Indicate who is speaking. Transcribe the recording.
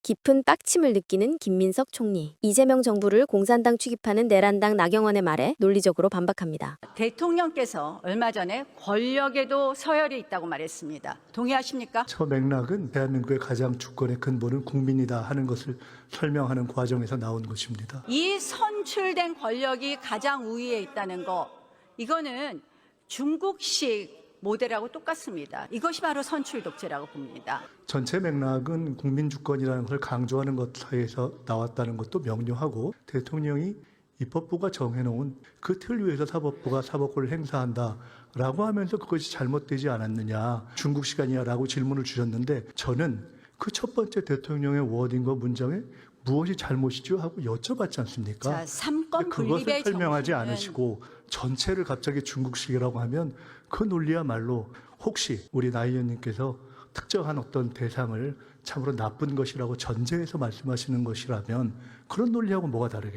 Speaker 1: 깊은 빡침을 느끼는 김민석 총리. 이재명 정부를 공산당 취급하는 내란당 나경원의 말에 논리적으로 반박합니다.
Speaker 2: 대통령께서 얼마 전에 권력에도 서열이 있다고 말했습니다. 동의하십니까?
Speaker 3: 저 맥락은 대한민국의 가장 주권의 근본은 국민이다 하는 것을 설명하는 과정에서 나온 것입니다.
Speaker 2: 이 선출된 권력이 가장 우위에 있다는 거, 이거는 중국식 모델하고 똑같습니다. 이것이 바로 선출 독재라고 봅니다.
Speaker 3: 전체 맥락은 국민 주권이라는 것을 강조하는 것에서 나왔다는 것도 명료하고, 대통령이 입법부가 정해놓은 그 틀 위에서 사법부가 사법권을 행사한다라고 하면서 그것이 잘못되지 않았느냐, 중국 시간이야라고 질문을 주셨는데, 저는 그 첫 번째 대통령의 워딩과 문장에 무엇이 잘못이죠 하고 여쭤봤지 않습니까?
Speaker 2: 자, 삼권 분립의
Speaker 3: 그것을 설명하지
Speaker 2: 정신은
Speaker 3: 않으시고 전체를 갑자기 중국식이라고 하면 그 논리야말로 혹시 우리 나 의원님께서 특정한 어떤 대상을 참으로 나쁜 것이라고 전제해서 말씀하시는 것이라면 그런 논리하고 뭐가 다르겠습니까?